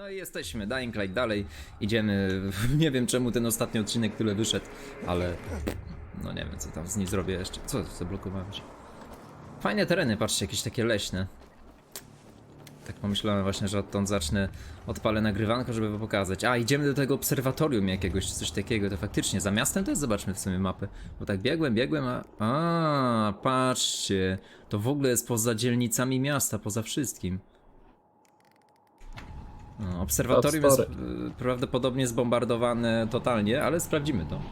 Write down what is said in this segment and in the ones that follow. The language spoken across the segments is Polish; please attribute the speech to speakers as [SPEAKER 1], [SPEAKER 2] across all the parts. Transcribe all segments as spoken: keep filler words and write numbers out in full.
[SPEAKER 1] No i jesteśmy, Dying Light dalej, idziemy, nie wiem czemu ten ostatni odcinek tyle wyszedł, ale no nie wiem co tam z nim zrobię jeszcze, co zablokowałem się. Fajne tereny, patrzcie, jakieś takie leśne. Tak pomyślałem właśnie, że odtąd zacznę, odpalę nagrywanko, żeby wam pokazać. A, idziemy do tego obserwatorium jakiegoś, coś takiego, to faktycznie, za miastem to jest, zobaczmy w sumie mapę. Bo tak biegłem, biegłem, a... A, patrzcie, to w ogóle jest poza dzielnicami miasta, poza wszystkim. No, obserwatorium jest y, prawdopodobnie zbombardowane totalnie, ale sprawdzimy to.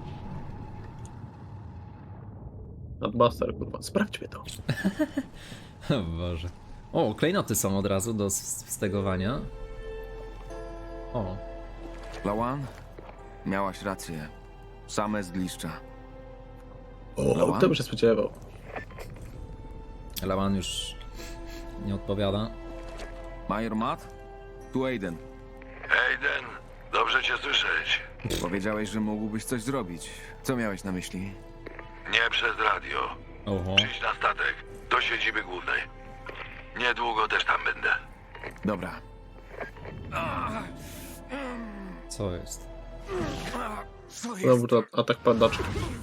[SPEAKER 2] Adbuster, kurwa, sprawdźmy to.
[SPEAKER 1] O Boże. O, klejnoty są od razu do stegowania. O.
[SPEAKER 3] Lawan? Miałaś rację. Same zgliszcza.
[SPEAKER 2] O,
[SPEAKER 3] Lawan?
[SPEAKER 2] kto by się spodziewał?
[SPEAKER 1] Lawan już nie odpowiada.
[SPEAKER 3] Major Matt? Tu Aiden.
[SPEAKER 4] Aiden, dobrze cię słyszeć.
[SPEAKER 3] Powiedziałeś, że mógłbyś coś zrobić. Co miałeś na myśli?
[SPEAKER 4] Nie przez radio.
[SPEAKER 1] Oho.
[SPEAKER 4] Przyjdź na statek, do siedziby głównej. Niedługo też tam będę.
[SPEAKER 3] Dobra.
[SPEAKER 1] Co jest?
[SPEAKER 2] Znowu to atak padaczy.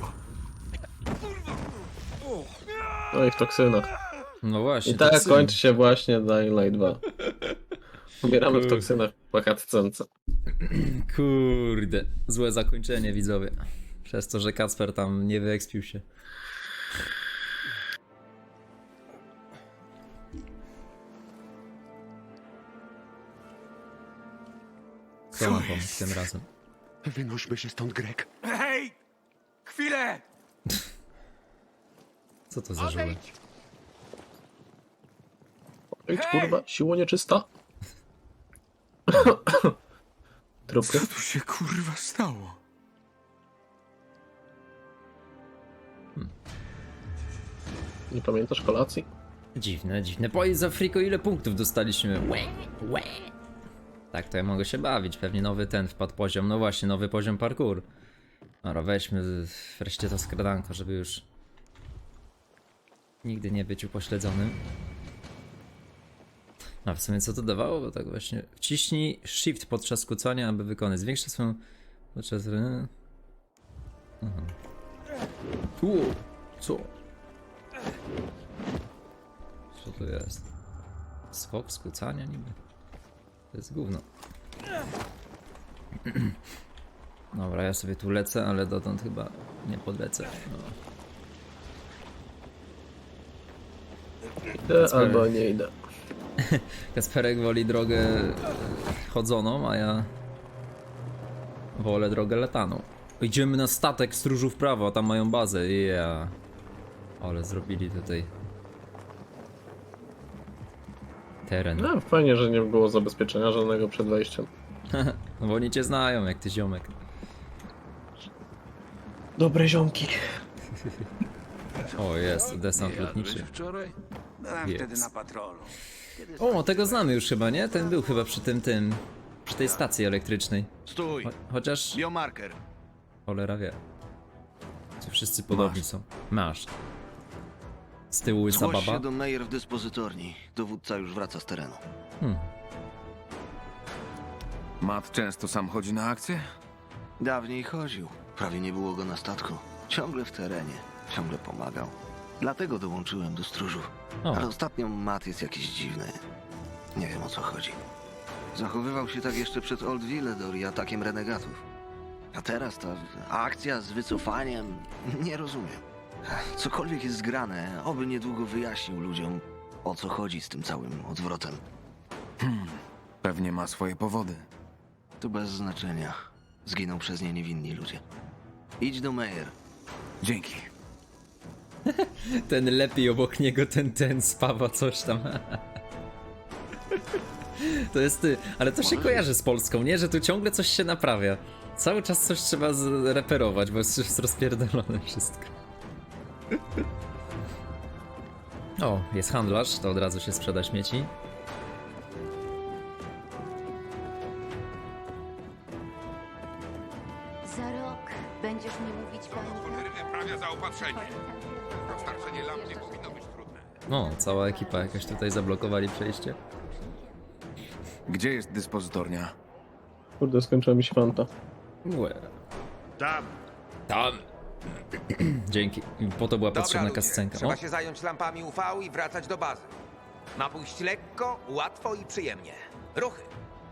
[SPEAKER 2] No i w toksynach.
[SPEAKER 1] No właśnie.
[SPEAKER 2] I tak
[SPEAKER 1] toksyny.
[SPEAKER 2] kończy się właśnie Dying Light dwa. Umieramy w toksynach po cutscence.
[SPEAKER 1] Kurde. Złe zakończenie, widzowie. Przez to, że Kacper tam nie wyekspił się. Co mam pomóc tym razem?
[SPEAKER 5] Wynośmy się stąd, Greg.
[SPEAKER 4] Hej! Chwilę!
[SPEAKER 1] Co to za żółek?
[SPEAKER 2] Idź, kurwa, siło nieczysta. Trupy.
[SPEAKER 3] Co tu się kurwa stało?
[SPEAKER 2] Nie pamiętasz kolacji?
[SPEAKER 1] Dziwne, dziwne. Powiedz za Friko, ile punktów dostaliśmy? Łe, łe. Tak, to ja mogę się bawić. Pewnie nowy ten wpadł poziom. No właśnie, nowy poziom parkour. Dobra, weźmy wreszcie to skradanko, żeby już nigdy nie być upośledzonym. A w sumie co to dawało? Bo tak właśnie. Wciśnij shift podczas kucania, aby wykonać. Zwiększa swoją... podczas... Aha. Uuu, co? Co to jest? Skok skrócania niby? To jest gówno. Dobra, ja sobie tu lecę, ale dotąd chyba nie podlecę. No.
[SPEAKER 2] Idę albo nie idę.
[SPEAKER 1] Kasperek woli drogę e, chodzoną, a ja wolę drogę lataną. Idziemy na statek stróżu w prawo, a tam mają bazę. Yeah. Ale zrobili tutaj teren.
[SPEAKER 2] No, fajnie, że nie było zabezpieczenia żadnego przed wejściem.
[SPEAKER 1] No bo oni cię znają, jak ty ziomek.
[SPEAKER 2] Dobre ziomki.
[SPEAKER 1] O, jest, desant lotniczy.
[SPEAKER 4] Wczoraj?
[SPEAKER 6] Byłem
[SPEAKER 1] Jest.
[SPEAKER 6] wtedy na patrolu.
[SPEAKER 1] O, tego znamy już chyba, nie? Ten był chyba przy tym, tym, przy tej stacji elektrycznej.
[SPEAKER 6] Stój!
[SPEAKER 1] Cho chociaż
[SPEAKER 6] Biomarker.
[SPEAKER 1] cholera wie. Czy wszyscy podobni są? Masz. Z tyłu łysa
[SPEAKER 6] Zgłoś
[SPEAKER 1] baba.
[SPEAKER 6] się do Meyer w dyspozytorni. Dowódca już wraca z terenu.
[SPEAKER 1] Hmm.
[SPEAKER 3] Matt często sam chodzi na akcję?
[SPEAKER 6] Dawniej chodził. Prawie nie było go na statku. Ciągle w terenie. Ciągle pomagał. Dlatego dołączyłem do stróżów.
[SPEAKER 1] O.
[SPEAKER 6] Ale ostatnio Matt jest jakiś dziwny. Nie wiem o co chodzi. Zachowywał się tak jeszcze przed Old Villedor i atakiem renegatów. A teraz ta akcja z wycofaniem... Nie rozumiem. Cokolwiek jest zgrane, oby niedługo wyjaśnił ludziom, o co chodzi z tym całym odwrotem.
[SPEAKER 3] Pewnie ma swoje powody.
[SPEAKER 6] To bez znaczenia. Zginą przez nie niewinni ludzie. Idź do Meyer.
[SPEAKER 3] Dzięki.
[SPEAKER 1] Ten lepiej obok niego, ten, ten spawa coś tam. To jest ty, ale to się kojarzy z Polską, nie? Że tu ciągle coś się naprawia. Cały czas coś trzeba zreperować, bo jest jest rozpierdolone wszystko. O, jest handlarz, to od razu się sprzeda śmieci.
[SPEAKER 7] Za rok będziesz mi mówić pamiętaj.
[SPEAKER 4] Prawie zaopatrzenie. Dostarczenie lamp nie powinno być trudne.
[SPEAKER 1] No, cała ekipa jakaś tutaj zablokowali przejście.
[SPEAKER 3] Gdzie jest dyspozytornia?
[SPEAKER 2] Kurde, skończyła mi się fanta.
[SPEAKER 1] Łe.
[SPEAKER 5] Tam.
[SPEAKER 1] Tam. Dzięki. Po to była
[SPEAKER 8] Dobra,
[SPEAKER 1] potrzebna
[SPEAKER 8] ludzie,
[SPEAKER 1] kascenka.
[SPEAKER 8] trzeba
[SPEAKER 1] O,
[SPEAKER 8] się zająć lampami U V i wracać do bazy. Ma pójść lekko, łatwo i przyjemnie. Ruchy.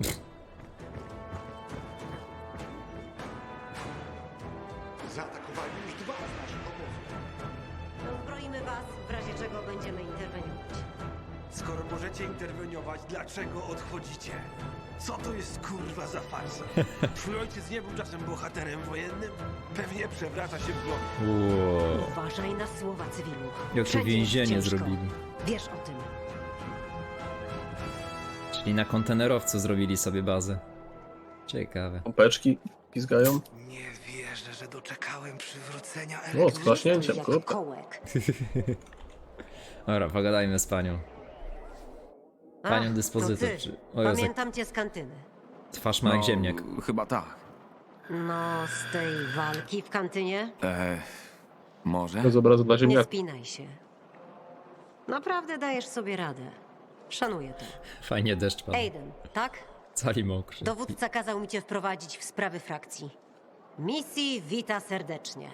[SPEAKER 5] Zaatakowali już dwa z naszych obozów.
[SPEAKER 9] Uzbroimy was, w razie czego będziemy interweniować.
[SPEAKER 10] Skoro możecie interweniować, dlaczego odchodzicie? Co to jest kurwa za farsa? Twój ojciec nie był czasem bohaterem wojennym? Pewnie przewraca się w głowie.
[SPEAKER 1] wow.
[SPEAKER 9] Uważaj na słowa cywilu.
[SPEAKER 1] Jakie
[SPEAKER 9] Wszędzie jest
[SPEAKER 1] więzienie
[SPEAKER 9] ciężko.
[SPEAKER 1] zrobili.
[SPEAKER 9] Wiesz o tym.
[SPEAKER 1] Czyli na kontenerowcu zrobili sobie bazę. Ciekawe.
[SPEAKER 2] Pompeczki pizgają.
[SPEAKER 10] Nie wierzę, że doczekałem przywrócenia
[SPEAKER 2] O, z klaśnięciem,
[SPEAKER 9] Jak
[SPEAKER 2] kurde.
[SPEAKER 9] kołek.
[SPEAKER 1] Dobra, pogadajmy z panią. Panią
[SPEAKER 9] Ach,
[SPEAKER 1] dyspozytor.
[SPEAKER 9] to ty.
[SPEAKER 1] Czy... O Jezu,
[SPEAKER 9] Pamiętam cię z kantyny.
[SPEAKER 1] twarz ma jak ziemniak.
[SPEAKER 3] Chyba tak.
[SPEAKER 9] No, z tej walki w kantynie?
[SPEAKER 3] E, może?
[SPEAKER 2] Bez obrazu dla
[SPEAKER 9] Nie
[SPEAKER 2] ziemniaków.
[SPEAKER 9] spinaj się. Naprawdę dajesz sobie radę. Szanuję to.
[SPEAKER 1] Fajnie deszcz padł.
[SPEAKER 9] Aiden, tak?
[SPEAKER 1] Cali mokrzy.
[SPEAKER 9] Dowódca kazał mi cię wprowadzić w sprawy frakcji. Misji wita serdecznie.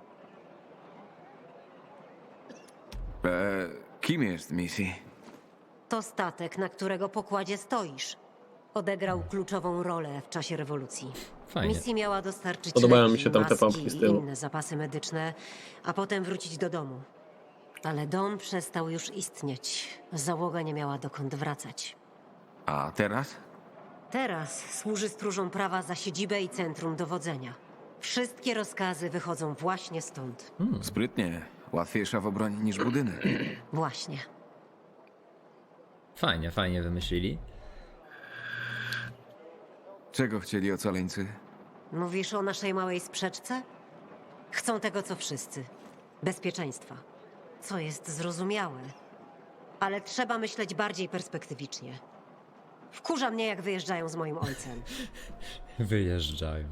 [SPEAKER 3] E, kim jest Missy?
[SPEAKER 9] To statek, na którego pokładzie stoisz. Odegrał kluczową rolę w czasie rewolucji.
[SPEAKER 1] Fajnie.
[SPEAKER 9] Misji miała dostarczyć
[SPEAKER 2] Podobają
[SPEAKER 9] leki,
[SPEAKER 2] mi się tam te
[SPEAKER 9] maski
[SPEAKER 2] pompki z tyłu.
[SPEAKER 9] i inne zapasy medyczne, a potem wrócić do domu. Ale dom przestał już istnieć. Załoga nie miała dokąd wracać.
[SPEAKER 3] A teraz?
[SPEAKER 9] Teraz służy stróżom prawa za siedzibę i centrum dowodzenia. Wszystkie rozkazy wychodzą właśnie stąd.
[SPEAKER 3] Sprytnie. Łatwiejsza w obronie niż budynek.
[SPEAKER 9] Właśnie.
[SPEAKER 1] Fajnie, fajnie wymyślili.
[SPEAKER 3] Czego chcieli ocaleńcy?
[SPEAKER 9] Mówisz o naszej małej sprzeczce? Chcą tego, co wszyscy. Bezpieczeństwa. Co jest zrozumiałe. Ale trzeba myśleć bardziej perspektywicznie. Wkurza mnie, jak wyjeżdżają z moim ojcem.
[SPEAKER 1] Wyjeżdżają.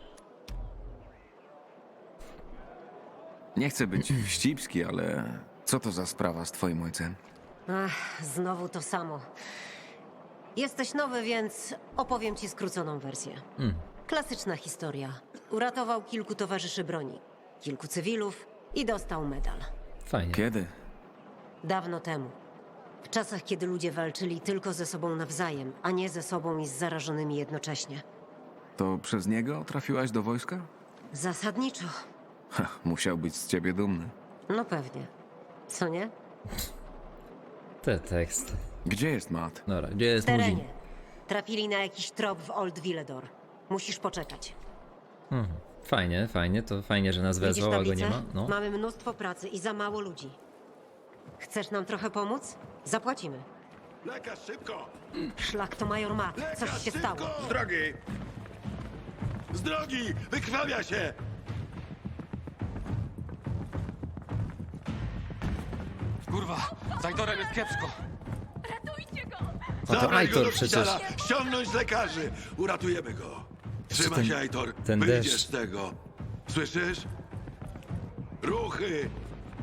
[SPEAKER 3] Nie chcę być wścibski, ale co to za sprawa z twoim ojcem?
[SPEAKER 9] Ach, znowu to samo. Jesteś nowy, więc opowiem ci skróconą wersję.
[SPEAKER 1] Mm.
[SPEAKER 9] Klasyczna historia. Uratował kilku towarzyszy broni, kilku cywilów i dostał medal.
[SPEAKER 1] Fajnie.
[SPEAKER 3] Kiedy?
[SPEAKER 9] Dawno temu. W czasach, kiedy ludzie walczyli tylko ze sobą nawzajem, a nie ze sobą i z zarażonymi jednocześnie.
[SPEAKER 3] To przez niego trafiłaś do wojska?
[SPEAKER 9] Zasadniczo.
[SPEAKER 3] Ha, musiał być z ciebie dumny.
[SPEAKER 9] No pewnie. Co nie?
[SPEAKER 1] Te teksty.
[SPEAKER 3] Gdzie jest Matt?
[SPEAKER 1] Dobra, gdzie jest
[SPEAKER 9] W terenie.
[SPEAKER 1] Muzin?
[SPEAKER 9] Trafili na jakiś trop w Old Villedor. Musisz poczekać.
[SPEAKER 1] Mhm. Fajnie, fajnie, to fajnie, że nas
[SPEAKER 9] Widzisz
[SPEAKER 1] wezwał, a go
[SPEAKER 9] tablicę?
[SPEAKER 1] nie ma. No.
[SPEAKER 9] Mamy mnóstwo pracy i za mało ludzi. Chcesz nam trochę pomóc? Zapłacimy.
[SPEAKER 5] Lekarz, szybko!
[SPEAKER 9] Szlak to major Matt. Coś
[SPEAKER 5] Lekarz,
[SPEAKER 9] się
[SPEAKER 5] szybko!
[SPEAKER 9] stało.
[SPEAKER 5] Z drogi! Z drogi! Wykrwawia się!
[SPEAKER 10] Kurwa, z Aitorem jest kiepsko.
[SPEAKER 1] A to
[SPEAKER 5] Zabrać go do
[SPEAKER 1] Aitor przecież.
[SPEAKER 5] szpitala! Ściągnąć z lekarzy! Uratujemy go! Trzymaj
[SPEAKER 1] ten-
[SPEAKER 5] się, Aitor!
[SPEAKER 1] ten
[SPEAKER 5] Wyjdziesz
[SPEAKER 1] deszcz.
[SPEAKER 5] z tego! Słyszysz? Ruchy!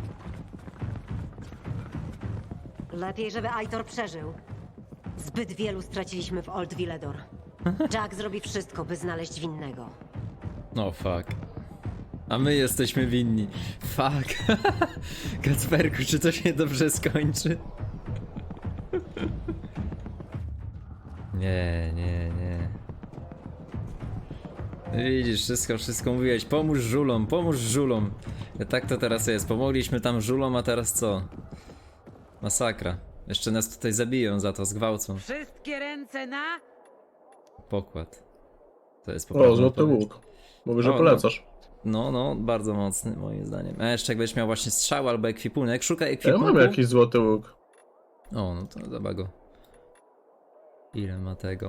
[SPEAKER 9] Lepiej, żeby Aitor przeżył. Zbyt wielu straciliśmy w Old Villedor. Jack zrobi wszystko, by znaleźć winnego.
[SPEAKER 1] No fuck. A my jesteśmy winni. Fuck. Kacperku, czy to się dobrze skończy? Nie, nie, nie. Widzisz, wszystko, wszystko mówiłeś. Pomóż żulom, pomóż żulom. Tak to teraz jest. Pomogliśmy tam żulom, a teraz co? Masakra. Jeszcze nas tutaj zabiją za to, zgwałcą.
[SPEAKER 9] Wszystkie ręce na...
[SPEAKER 1] Pokład. To jest
[SPEAKER 2] O,
[SPEAKER 1] poprawna
[SPEAKER 2] złoty
[SPEAKER 1] odpowiedź.
[SPEAKER 2] łuk. Mówię, że
[SPEAKER 1] O, no.
[SPEAKER 2] polecasz.
[SPEAKER 1] No, no, bardzo mocny moim zdaniem. A jeszcze jak będziesz miał właśnie strzał albo ekwipunek, szukaj
[SPEAKER 2] Ja
[SPEAKER 1] ekwipunku.
[SPEAKER 2] mam jakiś złoty łuk.
[SPEAKER 1] O, no to zobacz go. Ile ma tego?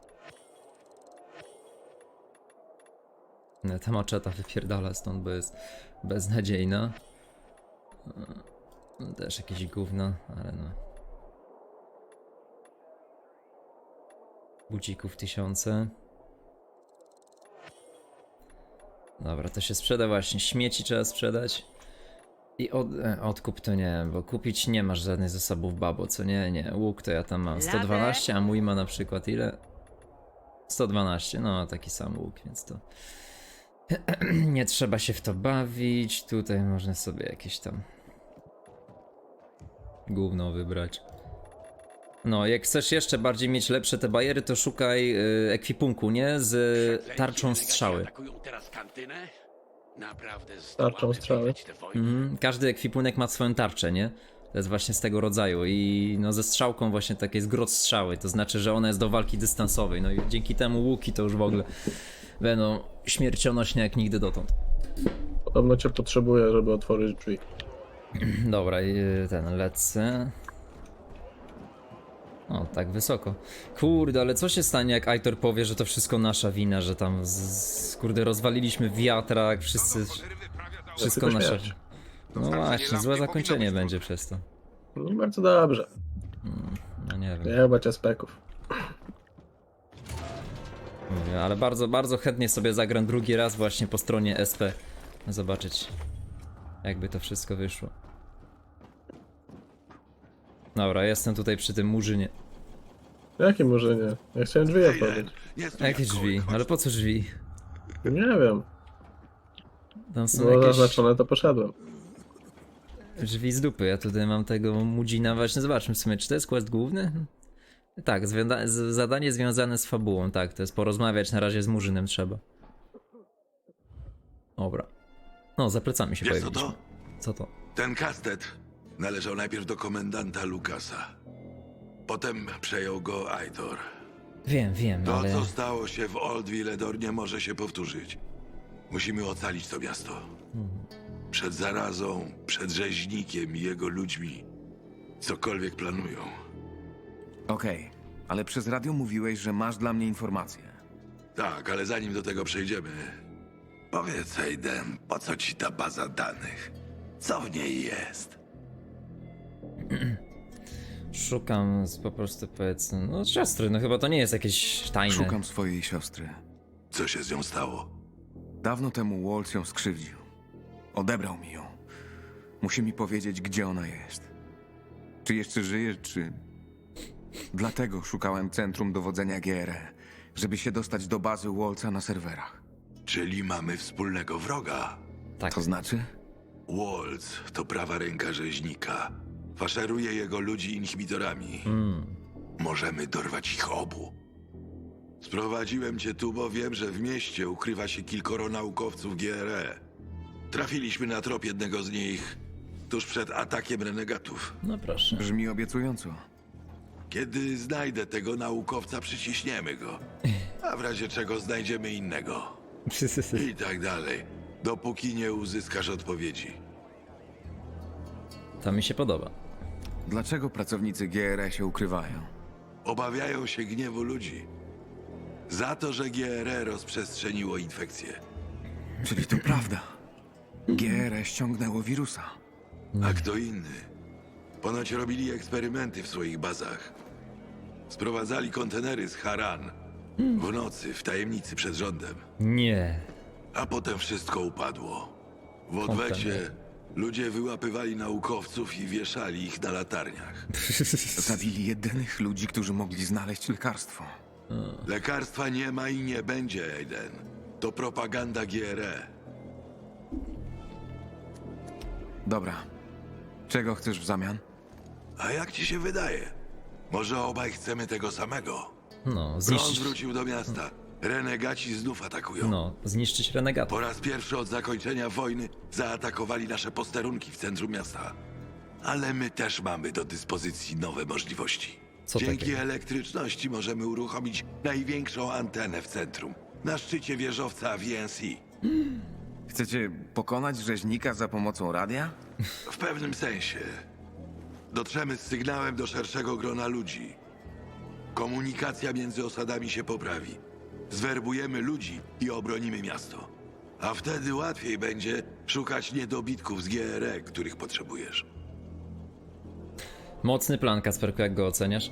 [SPEAKER 1] Nie, ta maczeta wypierdala stąd, bo jest beznadziejna. E, Też jakieś gówno, ale no. Budzików tysiące. Dobra, to się sprzeda właśnie. Śmieci trzeba sprzedać. I od, e, odkup to nie, bo kupić nie masz żadnych zasobów, babo, co nie, nie. Łuk to ja tam mam sto dwanaście, a mój ma na przykład ile? sto dwanaście, no taki sam łuk, więc to... nie trzeba się w to bawić, tutaj można sobie jakieś tam... gówno wybrać. No, jak chcesz jeszcze bardziej mieć lepsze te bajery, to szukaj y, ekwipunku, nie? Z tarczą strzały.
[SPEAKER 2] Tarczą strzały.
[SPEAKER 1] Mhm. Każdy ekwipunek ma swoją tarczę, nie? To jest właśnie z tego rodzaju i no ze strzałką właśnie takie jest grot strzały, to znaczy, że ona jest do walki dystansowej, no i dzięki temu łuki to już w ogóle będą śmiercionośne jak nigdy dotąd.
[SPEAKER 2] Podobno cię potrzebuję, żeby otworzyć drzwi.
[SPEAKER 1] Dobra, i ten lecę. O, tak wysoko. Kurde, ale co się stanie, jak Aitor powie, że to wszystko nasza wina, że tam z, z, kurde rozwaliliśmy wiatrak, wszyscy... Wszystko
[SPEAKER 2] tylko
[SPEAKER 1] nasza...
[SPEAKER 2] śmierć.
[SPEAKER 1] No właśnie, złe zakończenie będzie przez to.
[SPEAKER 2] No bardzo dobrze.
[SPEAKER 1] No nie wiem.
[SPEAKER 2] Nie chyba cię speków.
[SPEAKER 1] Mówię, ale bardzo, bardzo chętnie sobie zagram drugi raz właśnie po stronie S P. Zobaczyć, jakby to wszystko wyszło. Dobra, jestem tutaj przy tym murzynie.
[SPEAKER 2] Jakie może nie? Ja chciałem drzwi otworzyć.
[SPEAKER 5] Nie stój
[SPEAKER 1] Jakie
[SPEAKER 5] jak
[SPEAKER 1] drzwi?
[SPEAKER 5] kołek, chodź
[SPEAKER 1] Ale
[SPEAKER 5] tu.
[SPEAKER 1] po co drzwi?
[SPEAKER 2] Nie wiem.
[SPEAKER 1] Tam są
[SPEAKER 2] Było
[SPEAKER 1] jakieś
[SPEAKER 2] zaznaczone, to poszedłem.
[SPEAKER 1] drzwi z dupy. Ja tutaj mam tego mudzina właśnie. Zobaczmy w sumie, czy to jest quest główny? Tak, zwiada- z- zadanie związane z fabułą, tak, to jest porozmawiać na razie z murzynem trzeba. Dobra. No, za plecami się
[SPEAKER 5] Wiesz co
[SPEAKER 1] pojawiliśmy.
[SPEAKER 5] to?
[SPEAKER 1] Co to?
[SPEAKER 5] Ten kastet należał najpierw do komendanta Lukasa. Potem przejął go Aitor.
[SPEAKER 1] Wiem, wiem,
[SPEAKER 5] To,
[SPEAKER 1] ale...
[SPEAKER 5] co stało się w Old Villedor, nie może się powtórzyć. Musimy ocalić to miasto. Przed zarazą, przed rzeźnikiem i jego ludźmi. Cokolwiek planują.
[SPEAKER 8] Okej, ale przez radio mówiłeś, że masz dla mnie informacje.
[SPEAKER 5] Tak, ale zanim do tego przejdziemy... Powiedz, Aiden, po co ci ta baza danych? Co w niej jest?
[SPEAKER 1] Szukam z, po prostu powiedzmy, no siostry, no chyba to nie jest jakieś tajne.
[SPEAKER 8] Szukam swojej siostry.
[SPEAKER 5] Co się z nią stało?
[SPEAKER 8] Dawno temu Waltz ją skrzywdził. Odebrał mi ją. Musi mi powiedzieć, gdzie ona jest. Czy jeszcze żyje, czy... Dlatego szukałem centrum dowodzenia G R E, żeby się dostać do bazy Waltza na serwerach.
[SPEAKER 5] Czyli mamy wspólnego wroga.
[SPEAKER 1] Tak.
[SPEAKER 8] To znaczy?
[SPEAKER 5] Waltz to prawa ręka rzeźnika. Faszeruje jego ludzi inhibitorami.
[SPEAKER 1] Mm.
[SPEAKER 5] Możemy dorwać ich obu. Sprowadziłem cię tu, bo wiem, że w mieście ukrywa się kilkoro naukowców G R E. Trafiliśmy na trop jednego z nich tuż przed atakiem renegatów.
[SPEAKER 1] No proszę.
[SPEAKER 8] Brzmi obiecująco.
[SPEAKER 5] Kiedy znajdę tego naukowca, przyciśniemy go. A w razie czego znajdziemy innego. I tak dalej. Dopóki nie uzyskasz odpowiedzi.
[SPEAKER 1] To mi się podoba.
[SPEAKER 8] Dlaczego pracownicy G R E się ukrywają?
[SPEAKER 5] Obawiają się gniewu ludzi. Za to, że G R E rozprzestrzeniło infekcję.
[SPEAKER 8] Czyli to prawda. G R E ściągnęło wirusa.
[SPEAKER 5] A kto inny? Ponoć robili eksperymenty w swoich bazach. Sprowadzali kontenery z Haran. W nocy, w tajemnicy przed rządem.
[SPEAKER 1] Nie.
[SPEAKER 5] A potem wszystko upadło. W odwecie ludzie wyłapywali naukowców i wieszali ich na latarniach.
[SPEAKER 8] Zabili jedynych ludzi, którzy mogli znaleźć lekarstwo.
[SPEAKER 5] Lekarstwa nie ma i nie będzie, Aiden. To propaganda G R E.
[SPEAKER 8] Dobra. Czego chcesz w zamian?
[SPEAKER 5] A jak ci się wydaje? Może obaj chcemy tego samego?
[SPEAKER 1] No,
[SPEAKER 5] Prąd
[SPEAKER 1] zniszczyć...
[SPEAKER 5] wrócił do miasta. Renegaci znów atakują.
[SPEAKER 1] No, zniszczyć renegatów.
[SPEAKER 5] Po raz pierwszy od zakończenia wojny zaatakowali nasze posterunki w centrum miasta. Ale my też mamy do dyspozycji nowe możliwości.
[SPEAKER 1] Co
[SPEAKER 5] Dzięki
[SPEAKER 1] takiego?
[SPEAKER 5] elektryczności możemy uruchomić największą antenę w centrum. Na szczycie wieżowca V N C.
[SPEAKER 8] Chcecie pokonać rzeźnika za pomocą radia?
[SPEAKER 5] W pewnym sensie. Dotrzemy z sygnałem do szerszego grona ludzi. Komunikacja między osadami się poprawi. Zwerbujemy ludzi i obronimy miasto. A wtedy łatwiej będzie szukać niedobitków z G R E, których potrzebujesz.
[SPEAKER 1] Mocny plan, Kasperku, jak go oceniasz?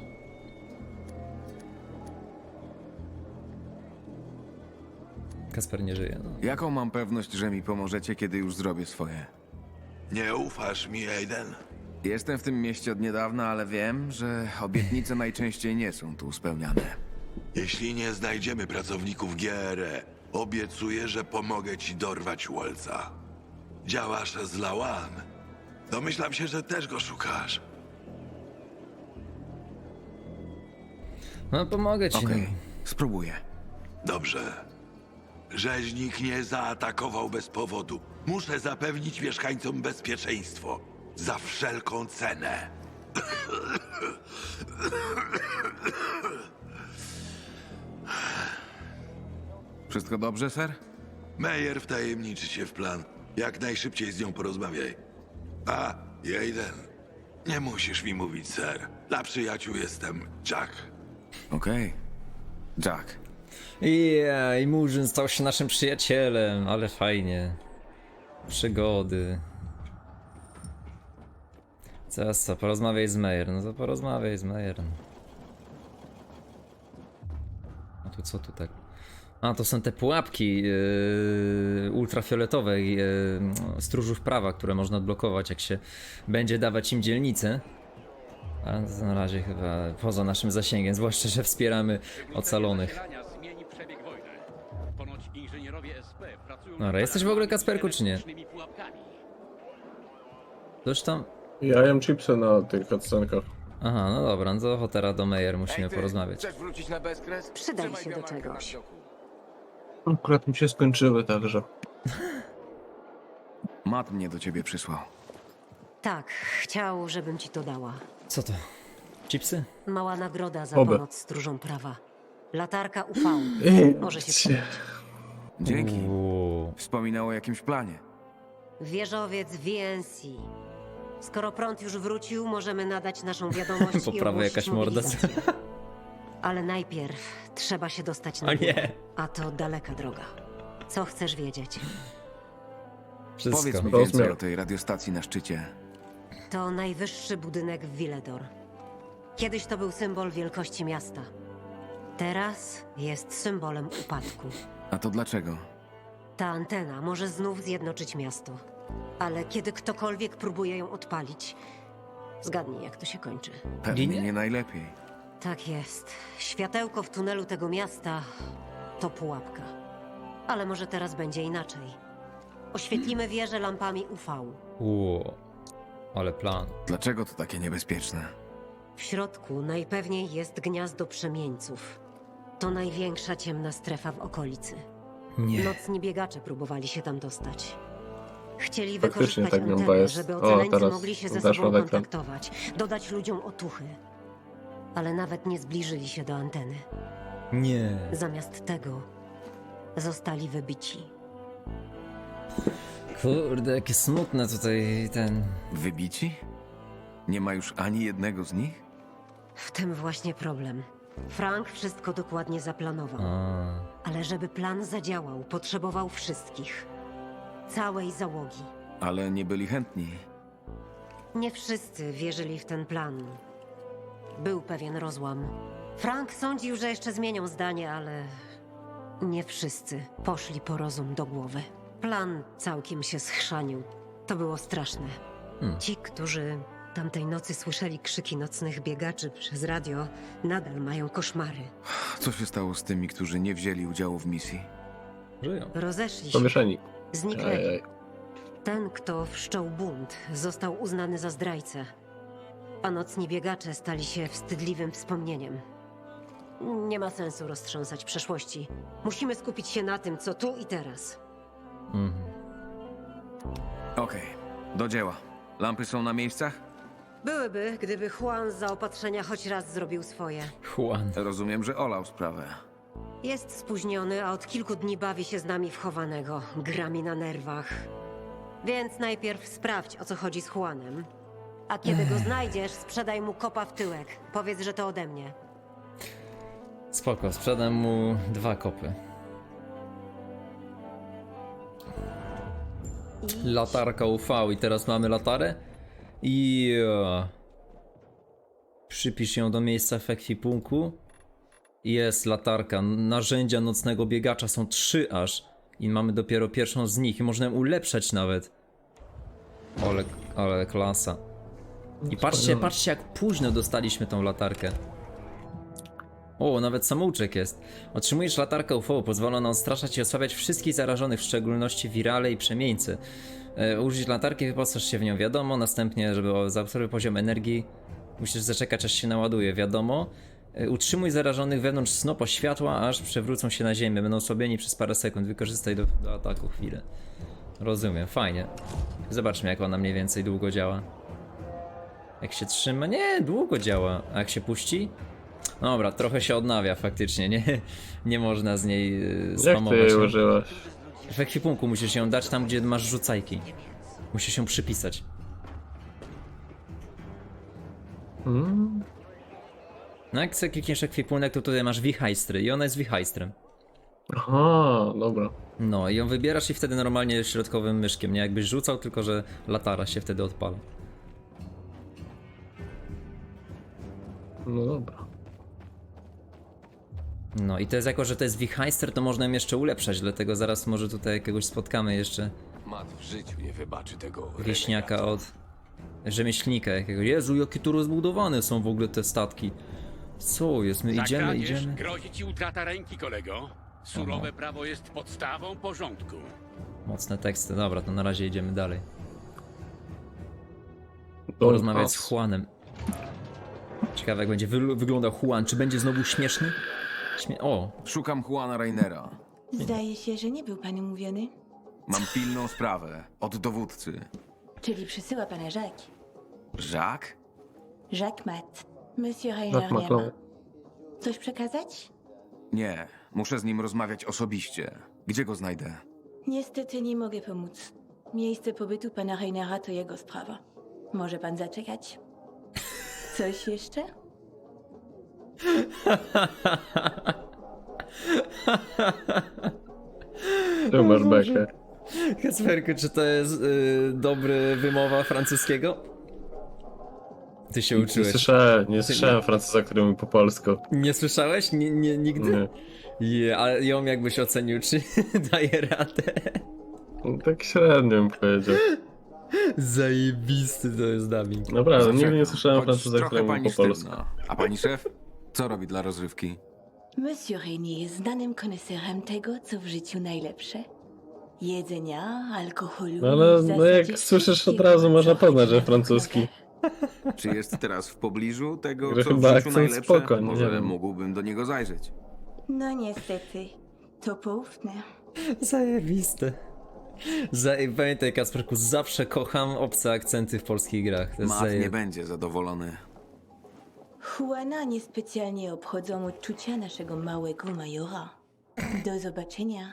[SPEAKER 1] Kasper nie żyje, no.
[SPEAKER 8] Jaką mam pewność, że mi pomożecie, kiedy już zrobię swoje?
[SPEAKER 5] Nie ufasz mi, Aiden?
[SPEAKER 8] Jestem w tym mieście od niedawna, ale wiem, że obietnice najczęściej nie są tu spełniane.
[SPEAKER 5] Jeśli nie znajdziemy pracowników G R E, obiecuję, że pomogę ci dorwać Waltza. Działasz z Lawan. Domyślam się, że też go szukasz.
[SPEAKER 1] No pomogę ci.
[SPEAKER 8] Okej,
[SPEAKER 1] no.
[SPEAKER 8] spróbuję.
[SPEAKER 5] Dobrze. Rzeźnik nie zaatakował bez powodu. Muszę zapewnić mieszkańcom bezpieczeństwo. Za wszelką cenę.
[SPEAKER 8] Wszystko dobrze, ser?
[SPEAKER 5] Meyer wtajemniczy się w plan. Jak najszybciej z nią porozmawiaj. A, Aiden, nie musisz mi mówić, ser. Dla przyjaciół jestem Jack.
[SPEAKER 8] Okej. Jack.
[SPEAKER 1] I, I Murzyn stał się naszym przyjacielem, ale fajnie. Przygody. Teraz co, porozmawiaj z Meyer. No to porozmawiaj z Meyer. A tu co tu tak? A to są te pułapki yy, ultrafioletowe yy, stróżów prawa, które można odblokować, jak się będzie dawać im dzielnicę. A to na razie chyba poza naszym zasięgiem, zwłaszcza że wspieramy ocalonych. Dobra, jesteś w ogóle, Kacperku, czy nie? Coś tam?
[SPEAKER 2] Ja jem chipsy na tych cutscenkach.
[SPEAKER 1] Aha, no dobra, no to teraz do Meyer musimy porozmawiać.
[SPEAKER 3] Chcesz wrócić na bezkres?
[SPEAKER 9] Przydaj się do czegoś.
[SPEAKER 2] Akurat mi się skończyły, także.
[SPEAKER 8] Matt mnie do ciebie przysłał.
[SPEAKER 9] Tak, chciał, żebym ci to dała.
[SPEAKER 1] Co to? Chipsy?
[SPEAKER 9] Mała nagroda za
[SPEAKER 2] Oby.
[SPEAKER 9] pomoc stróżom prawa. Latarka U V. Może się przydać.
[SPEAKER 8] Dzięki.
[SPEAKER 1] Uuu.
[SPEAKER 8] Wspominał o jakimś planie.
[SPEAKER 9] Wieżowiec V N C. Skoro prąd już wrócił, możemy nadać naszą wiadomość
[SPEAKER 1] Po
[SPEAKER 9] i
[SPEAKER 1] prawej
[SPEAKER 9] ogłosić
[SPEAKER 1] jakaś morda.
[SPEAKER 9] mobilizację. Ale najpierw trzeba się dostać na
[SPEAKER 1] O
[SPEAKER 9] górę.
[SPEAKER 1] nie!
[SPEAKER 9] A to daleka droga. Co chcesz wiedzieć?
[SPEAKER 1] Wszystko.
[SPEAKER 8] Powiedz mi
[SPEAKER 2] Rozumiem.
[SPEAKER 8] więcej o tej radiostacji na szczycie.
[SPEAKER 9] To najwyższy budynek w Villedor. Kiedyś to był symbol wielkości miasta. Teraz jest symbolem upadku.
[SPEAKER 8] A to dlaczego?
[SPEAKER 9] Ta antena może znów zjednoczyć miasto. Ale kiedy ktokolwiek próbuje ją odpalić, zgadnij, jak to się kończy.
[SPEAKER 8] Pewnie
[SPEAKER 1] Ginie?
[SPEAKER 8] nie najlepiej.
[SPEAKER 9] Tak jest. Światełko w tunelu tego miasta to pułapka. Ale może teraz będzie inaczej. Oświetlimy wieżę lampami U V.
[SPEAKER 1] Uuu. Ale plan.
[SPEAKER 8] Dlaczego to takie niebezpieczne?
[SPEAKER 9] W środku najpewniej jest gniazdo przemieńców. To największa ciemna strefa w okolicy.
[SPEAKER 1] Nie.
[SPEAKER 9] Nocni biegacze próbowali się tam dostać. Chcieli
[SPEAKER 2] Faktycznie
[SPEAKER 9] wykorzystać
[SPEAKER 2] tak miałem
[SPEAKER 9] antenę,
[SPEAKER 2] jest.
[SPEAKER 9] żeby
[SPEAKER 2] O,
[SPEAKER 9] ocaleńcy
[SPEAKER 2] teraz
[SPEAKER 9] mogli się ze
[SPEAKER 2] weszła
[SPEAKER 9] sobą
[SPEAKER 2] w ekran.
[SPEAKER 9] kontaktować, dodać ludziom otuchy. Ale nawet nie zbliżyli się do anteny.
[SPEAKER 1] Nie.
[SPEAKER 9] Zamiast tego zostali wybici.
[SPEAKER 1] Kurde, jakie smutne tutaj ten...
[SPEAKER 8] Wybici? Nie ma już ani jednego z nich?
[SPEAKER 9] W tym właśnie problem. Frank wszystko dokładnie zaplanował.
[SPEAKER 1] A.
[SPEAKER 9] Ale żeby plan zadziałał, potrzebował wszystkich. Całej załogi.
[SPEAKER 8] Ale nie byli chętni.
[SPEAKER 9] Nie wszyscy wierzyli w ten plan. Był pewien rozłam. Frank sądził, że jeszcze zmienią zdanie, ale nie wszyscy poszli po rozum do głowy. Plan całkiem się schrzanił. To było straszne.
[SPEAKER 1] Hmm.
[SPEAKER 9] Ci, którzy tamtej nocy słyszeli krzyki nocnych biegaczy przez radio, nadal mają koszmary.
[SPEAKER 8] Co się stało z tymi, którzy nie wzięli udziału w misji?
[SPEAKER 1] Żyją.
[SPEAKER 9] Rozeszli się,
[SPEAKER 2] Pomieszani.
[SPEAKER 9] zniknęli.
[SPEAKER 2] Ej, ej.
[SPEAKER 9] Ten, kto wszczął bunt, został uznany za zdrajcę, a nocni biegacze stali się wstydliwym wspomnieniem. Nie ma sensu roztrząsać przeszłości. Musimy skupić się na tym, co tu i teraz.
[SPEAKER 1] Mhm.
[SPEAKER 8] Okej, do dzieła. Lampy są na miejscach?
[SPEAKER 9] Byłyby, gdyby Juan z zaopatrzenia choć raz zrobił swoje.
[SPEAKER 1] Juan.
[SPEAKER 8] Rozumiem, że olał sprawę.
[SPEAKER 9] Jest spóźniony, a od kilku dni bawi się z nami w chowanego. Gra mi na nerwach. Więc najpierw sprawdź, o co chodzi z Juanem. A kiedy go znajdziesz, sprzedaj mu kopa w tyłek. Powiedz, że to ode mnie.
[SPEAKER 1] Spoko, sprzedam mu dwa kopy.
[SPEAKER 9] I
[SPEAKER 1] Latarka U V i teraz mamy latarę? I przypisz ją do miejsca w ekwipunku. Jest latarka. Narzędzia nocnego biegacza są trzy aż. I mamy dopiero pierwszą z nich i można ją ulepszać nawet. Ale, ale klasa. I patrzcie, patrzcie jak późno dostaliśmy tą latarkę. O, nawet samouczek jest. Otrzymujesz latarkę U V, pozwala ona odstraszać i osłabiać wszystkich zarażonych, w szczególności wirale i przemieńcy. E, użyć latarki, wyposaż się w nią, wiadomo. Następnie, żeby zaobserwować poziom energii, musisz zaczekać, aż się naładuje, wiadomo. E, utrzymuj zarażonych wewnątrz snopa światła, aż przewrócą się na ziemię. Będą osłabieni przez parę sekund. Wykorzystaj do, do ataku chwilę. Rozumiem, fajnie. Zobaczmy, jak ona mniej więcej długo działa. Jak się trzyma? Nie, długo działa. A jak się puści? Dobra, trochę się odnawia faktycznie, nie, nie można z niej yy,
[SPEAKER 2] Jak ty
[SPEAKER 1] spamować.
[SPEAKER 2] jej
[SPEAKER 1] no.
[SPEAKER 2] użyłaś?
[SPEAKER 1] W ekwipunku musisz ją dać tam, gdzie masz rzucajki. Musisz ją przypisać.
[SPEAKER 2] Hmm?
[SPEAKER 1] No jak sobie klikniesz ekwipunek, to tutaj masz wichajstry i ona jest wichajstrem.
[SPEAKER 2] Aha, dobra.
[SPEAKER 1] No i ją wybierasz i wtedy normalnie środkowym myszkiem, nie jakbyś rzucał, tylko że latara się wtedy odpala.
[SPEAKER 2] No dobra.
[SPEAKER 1] No i to jest jako, że to jest wichajster, to można ją jeszcze ulepszać, dlatego zaraz może tutaj jakiegoś spotkamy jeszcze
[SPEAKER 10] Mat w życiu nie wybaczy tego.
[SPEAKER 1] wieśniaka od rzemieślnika jakiegoś. Jezu, jakie tu rozbudowane są w ogóle te statki. Co jest? My idziemy, idziemy.
[SPEAKER 11] Grozi ci utrata ręki, kolego. Surowe prawo jest podstawą porządku.
[SPEAKER 1] Mocne teksty, dobra, to na razie idziemy dalej. Porozmawiać z Juanem. Ciekawe jak będzie wy wyglądał Juan, czy będzie znowu śmieszny? Śmie o!
[SPEAKER 8] Szukam Juana Rainera.
[SPEAKER 12] Zdaje się, że nie był pan umówiony.
[SPEAKER 8] Mam pilną sprawę. Od dowódcy.
[SPEAKER 12] Czyli przysyła pana Jacques.
[SPEAKER 8] Jacques?
[SPEAKER 12] Jacques Mat. Monsieur
[SPEAKER 2] Jacques
[SPEAKER 12] Rainer nie
[SPEAKER 2] Macron.
[SPEAKER 12] ma. Coś przekazać?
[SPEAKER 8] Nie. Muszę z nim rozmawiać osobiście. Gdzie go znajdę?
[SPEAKER 12] Niestety nie mogę pomóc. Miejsce pobytu pana Rainera to jego sprawa. Może pan zaczekać? Coś jeszcze?
[SPEAKER 2] Tu masz bekę.
[SPEAKER 1] Kacperku, czy to jest y, dobry wymowa francuskiego? Ty się
[SPEAKER 2] Nie
[SPEAKER 1] uczyłeś.
[SPEAKER 2] słyszałem, nie słyszałem Francuza, który mówi po polsku.
[SPEAKER 1] Nie słyszałeś? Nie, nie, nigdy?
[SPEAKER 2] Nie.
[SPEAKER 1] Je, ale ją jakbyś ocenił, czy daje radę?
[SPEAKER 2] No, tak średnio bym powiedział.
[SPEAKER 1] Zajebisty to jest dubbing.
[SPEAKER 2] Naprawdę, nigdy nie słyszałem
[SPEAKER 8] Choć
[SPEAKER 2] Francuza,
[SPEAKER 8] trochę
[SPEAKER 2] który mówi
[SPEAKER 8] pani
[SPEAKER 2] po polsku.
[SPEAKER 8] sztywna. A pani szef? Co robi dla rozrywki?
[SPEAKER 12] Monsieur Rainier jest znanym koneserem tego, co w życiu najlepsze. Jedzenia, alkoholu.
[SPEAKER 2] No ale
[SPEAKER 12] i w
[SPEAKER 2] no
[SPEAKER 12] zasadzie
[SPEAKER 2] jak słyszysz od
[SPEAKER 12] wszystkiego,
[SPEAKER 2] razu
[SPEAKER 12] co
[SPEAKER 2] można
[SPEAKER 12] chodzi
[SPEAKER 2] poznać, że
[SPEAKER 12] na
[SPEAKER 2] francuski.
[SPEAKER 8] Czy jest teraz w pobliżu tego,
[SPEAKER 2] Że
[SPEAKER 8] co
[SPEAKER 2] chyba
[SPEAKER 8] w życiu
[SPEAKER 2] akcent
[SPEAKER 8] najlepsze?
[SPEAKER 2] spoko, nie
[SPEAKER 8] Może
[SPEAKER 2] wiem.
[SPEAKER 8] mógłbym do niego zajrzeć.
[SPEAKER 12] No niestety, to poufne.
[SPEAKER 1] Zajebiste. Zaj Pamiętaj, Kacperku, zawsze kocham obce akcenty w polskich grach. To jest
[SPEAKER 8] Matt
[SPEAKER 1] zaje...
[SPEAKER 8] nie będzie zadowolony.
[SPEAKER 12] Juana niespecjalnie obchodzą uczucia naszego małego majora. Do zobaczenia.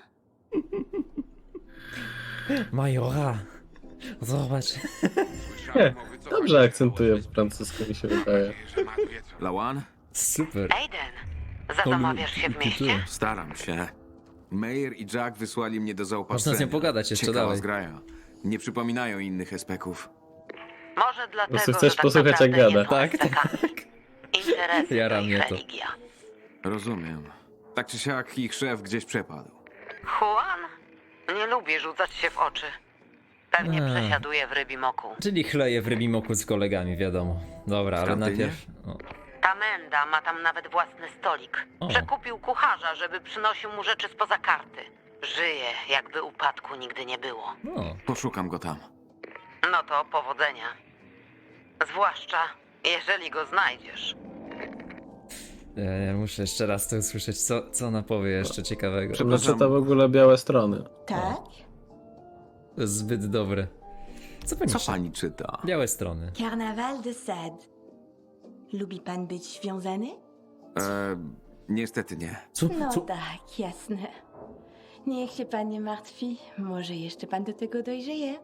[SPEAKER 1] Majora. Zobacz.
[SPEAKER 2] Nie, dobrze akcentuje francuski, mi się wydaje.
[SPEAKER 8] Lawan?
[SPEAKER 1] Super.
[SPEAKER 9] Aiden, zastanawiasz się w mieście?
[SPEAKER 8] Staram się. Meyer i Jack wysłali mnie do zaopatrzenia.
[SPEAKER 1] Można z nią pogadać jeszcze
[SPEAKER 8] Ciekawa
[SPEAKER 1] dalej.
[SPEAKER 8] zgraja. Nie przypominają innych espeków.
[SPEAKER 9] Może dlatego,
[SPEAKER 2] prostu chcesz
[SPEAKER 9] że tak
[SPEAKER 2] posłuchać, jak
[SPEAKER 9] naprawdę
[SPEAKER 2] gada.
[SPEAKER 9] nie są
[SPEAKER 1] Tak,
[SPEAKER 9] estekami. Interesy
[SPEAKER 1] Jara
[SPEAKER 9] to ich
[SPEAKER 1] mnie to.
[SPEAKER 9] religia.
[SPEAKER 8] Rozumiem. Tak czy siak ich szef gdzieś przepadł.
[SPEAKER 9] Juan nie lubi rzucać się w oczy. Pewnie
[SPEAKER 1] A.
[SPEAKER 9] przesiaduje w rybim oku.
[SPEAKER 1] Czyli chleje w rybimoku z kolegami, wiadomo. Dobra, ale
[SPEAKER 8] Tamtej
[SPEAKER 1] najpierw... O.
[SPEAKER 9] Ta Menda ma tam nawet własny stolik.
[SPEAKER 1] O.
[SPEAKER 9] Przekupił kucharza, żeby przynosił mu rzeczy spoza karty. Żyje, jakby upadku nigdy nie było.
[SPEAKER 1] No.
[SPEAKER 8] Poszukam go tam.
[SPEAKER 9] No to powodzenia. Zwłaszcza, jeżeli go znajdziesz.
[SPEAKER 1] Ja, ja muszę jeszcze raz to usłyszeć. Co, co ona powie jeszcze ciekawego?
[SPEAKER 2] Przepraszam, to w ogóle białe strony.
[SPEAKER 12] Tak?
[SPEAKER 1] To jest zbyt dobre. Co pani,
[SPEAKER 8] Co
[SPEAKER 1] czyta?
[SPEAKER 8] pani czyta?
[SPEAKER 1] Białe strony.
[SPEAKER 12] Carnaval de Sade. Lubi pan być związany?
[SPEAKER 8] E, niestety nie.
[SPEAKER 1] Co?
[SPEAKER 12] No
[SPEAKER 1] Co?
[SPEAKER 12] tak, jasne. Niech się pan nie martwi. Może jeszcze pan do tego dojrzeje.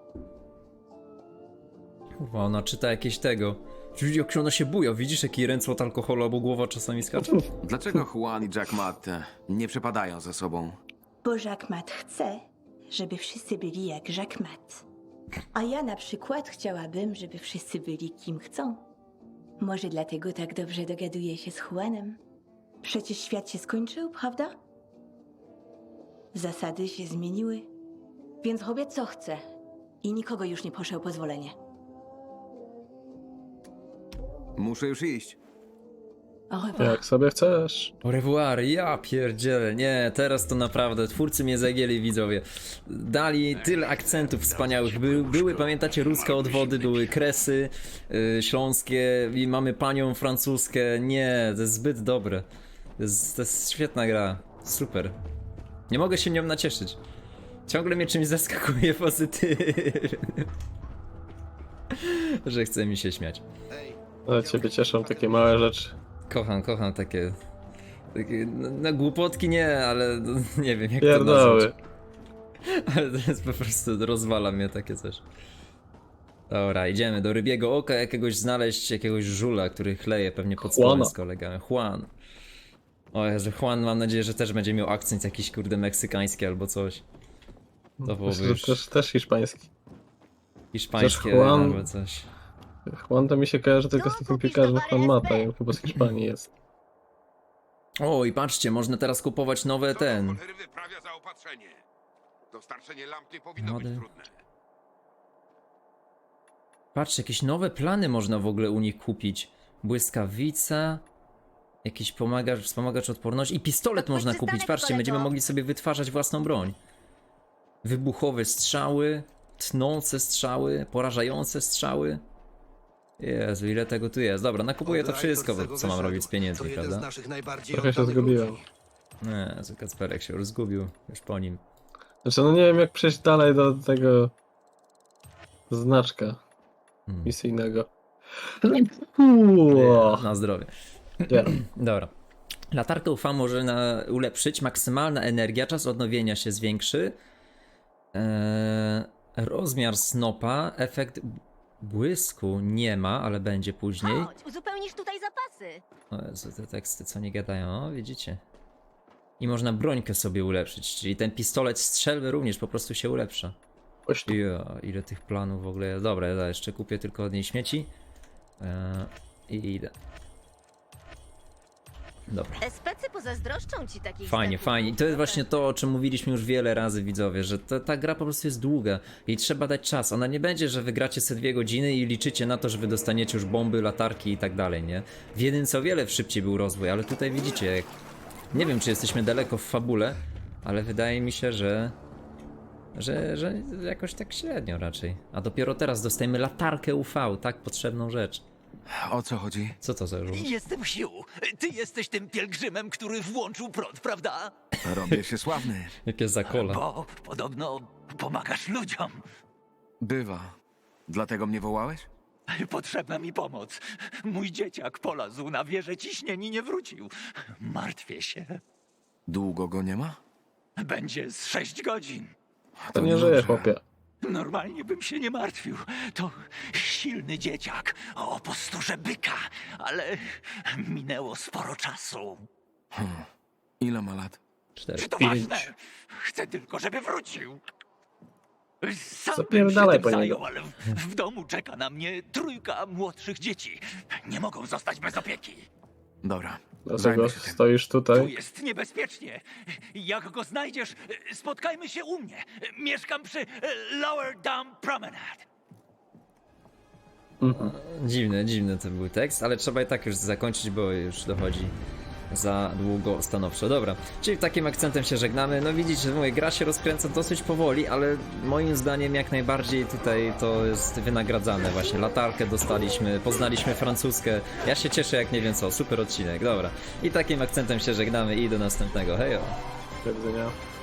[SPEAKER 1] Kurwa, ona czyta jakieś tego. Widzisz, jak ona się buja, widzisz jaki ręce od alkoholu albo głowa czasami skacze?
[SPEAKER 8] Dlaczego Juan i Jack Matt e, nie przepadają za sobą?
[SPEAKER 12] Bo Jacques Mat chce, żeby wszyscy byli jak Jacques Mat. A ja na przykład chciałabym, żeby wszyscy byli kim chcą. Może dlatego tak dobrze dogaduję się z Juanem. Przecież świat się skończył, prawda? Zasady się zmieniły. Więc robię co chcę. i nikogo już nie proszę o pozwolenie.
[SPEAKER 8] Muszę już iść.
[SPEAKER 12] Au revoir.
[SPEAKER 2] Jak sobie chcesz.
[SPEAKER 1] Au revoir, ja pierdzielę, nie, teraz to naprawdę, twórcy mnie zagięli, widzowie. Dali tyle akcentów wspaniałych, By, były, pamiętacie, ruskie odwody, były kresy yy, śląskie i mamy panią francuskę, nie, to jest zbyt dobre. To jest, to jest świetna gra, super. Nie mogę się nią nacieszyć. Ciągle mnie czymś zaskakuje pozytywnie. Że chce mi się śmiać.
[SPEAKER 2] Ale ciebie cieszą takie małe rzeczy.
[SPEAKER 1] Kocham, kocham takie... takie no, no głupotki nie, ale no, nie wiem jak to
[SPEAKER 2] Pierdoły.
[SPEAKER 1] nazwać. Ale to jest po prostu, rozwala mnie takie coś. Dobra, idziemy do rybiego oka jakiegoś znaleźć, jakiegoś żula, który chleje pewnie pod stołem
[SPEAKER 2] Juana.
[SPEAKER 1] z kolegami. Juan. O Jezu, Juan, mam nadzieję, że też będzie miał akcent jakiś kurde meksykański albo coś. To byłoby
[SPEAKER 2] Myślę, że
[SPEAKER 1] już
[SPEAKER 2] też, też hiszpański.
[SPEAKER 1] hiszpańskie
[SPEAKER 2] Juan-
[SPEAKER 1] albo coś.
[SPEAKER 2] Juan to mi się kojarzy tylko z takim piekarzem Juan Mata, i on chyba z Hiszpanii jest.
[SPEAKER 1] O i patrzcie, można teraz kupować nowe ten...
[SPEAKER 4] Cholery wyprawia zaopatrzenie. Dostarczenie lamp nie powinno
[SPEAKER 1] Młody.
[SPEAKER 4] być trudne.
[SPEAKER 1] Patrzcie, jakieś nowe plany można w ogóle u nich kupić. Błyskawica, jakiś pomagacz, wspomagacz odporności i pistolet
[SPEAKER 7] To
[SPEAKER 1] można
[SPEAKER 7] twój
[SPEAKER 1] kupić.
[SPEAKER 7] przystanek,
[SPEAKER 1] Patrzcie,
[SPEAKER 7] kolego.
[SPEAKER 1] będziemy mogli sobie wytwarzać własną broń. Wybuchowe strzały, tnące strzały, porażające strzały. Jezu, ile tego tu jest. Dobra, nakupuję to wszystko, bo co mam robić z pieniędzmi, prawda?
[SPEAKER 2] Trochę się zgubiłem.
[SPEAKER 1] Nie, Jezu, Kacperek się już zgubił, już po nim.
[SPEAKER 2] Znaczy, no nie wiem jak przejść dalej do tego znaczka
[SPEAKER 1] Hmm.
[SPEAKER 2] misyjnego.
[SPEAKER 1] Nie, na zdrowie.
[SPEAKER 2] Nie.
[SPEAKER 1] Dobra. Latarkę U V może na, ulepszyć, maksymalna energia, czas odnowienia się zwiększy. Eee, rozmiar snopa, efekt błysku nie ma, ale będzie później.
[SPEAKER 7] Chodź, uzupełnisz tutaj zapasy.
[SPEAKER 1] O Jezu, te teksty co nie gadają, o widzicie. I można brońkę sobie ulepszyć, czyli ten pistolet strzelby również po prostu się ulepsza.
[SPEAKER 2] Oś tu.
[SPEAKER 1] Ja, ile tych planów w ogóle jest. Dobra, ja jeszcze kupię tylko od niej śmieci. Eee, I idę. Dobra.
[SPEAKER 7] Especy pozazdroszczą ci takich
[SPEAKER 1] Fajnie,
[SPEAKER 7] statków.
[SPEAKER 1] fajnie. I to jest właśnie to, o czym mówiliśmy już wiele razy, widzowie, że ta, ta gra po prostu jest długa i trzeba dać czas. Ona nie będzie, że wygracie sobie dwie godziny i liczycie na to, że wy dostaniecie już bomby, latarki i tak dalej, nie? W jedynce o wiele szybciej był rozwój, ale tutaj widzicie, jak... nie wiem, czy jesteśmy daleko w fabule, ale wydaje mi się, że... Że, że jakoś tak średnio raczej. A dopiero teraz dostajemy latarkę U V, tak potrzebną rzecz.
[SPEAKER 8] O co chodzi?
[SPEAKER 1] Co to za żółw?
[SPEAKER 13] Jestem Hugh. Ty jesteś tym pielgrzymem, który włączył prąd, prawda?
[SPEAKER 8] Robię się sławny.
[SPEAKER 1] Jakie zakola.
[SPEAKER 13] Bo podobno pomagasz ludziom.
[SPEAKER 8] Bywa. Dlatego mnie wołałeś?
[SPEAKER 13] Potrzebna mi pomoc. Mój dzieciak polazł na wieżę ciśnień i nie wrócił. Martwię się.
[SPEAKER 8] Długo go nie ma?
[SPEAKER 13] Będzie z sześć godzin.
[SPEAKER 2] To nie żyje, chłopie.
[SPEAKER 13] Normalnie bym się nie martwił. To silny dzieciak o posturze byka, ale minęło sporo czasu.
[SPEAKER 8] Hmm. Ile ma lat?
[SPEAKER 1] Cztery.
[SPEAKER 13] Czy to ważne? Chcę tylko, żeby wrócił. Sam bym się
[SPEAKER 2] Zapierdalaj
[SPEAKER 13] tym
[SPEAKER 2] po niego.
[SPEAKER 13] zajął, ale w, w domu czeka na mnie trójka młodszych dzieci. Nie mogą zostać bez opieki.
[SPEAKER 8] Dobra.
[SPEAKER 2] Dlatego
[SPEAKER 8] Zajmę się tym.
[SPEAKER 2] stoisz
[SPEAKER 13] Tu
[SPEAKER 2] tutaj.
[SPEAKER 13] jest niebezpiecznie. Jak go znajdziesz, spotkajmy się u mnie. Mieszkam przy Lower Dam Promenade.
[SPEAKER 2] Mhm.
[SPEAKER 1] Dziwny, dziwny to był tekst, ale trzeba i tak już zakończyć, bo już dochodzi za długo stanowczo. Dobra, czyli takim akcentem się żegnamy. No widzicie, że moja gra się rozkręca dosyć powoli, ale moim zdaniem jak najbardziej tutaj to jest wynagradzane. właśnie. Latarkę dostaliśmy, poznaliśmy francuskę. Ja się cieszę jak nie wiem co, super odcinek, dobra. I takim akcentem się żegnamy i do następnego, hejo!
[SPEAKER 2] Do widzenia.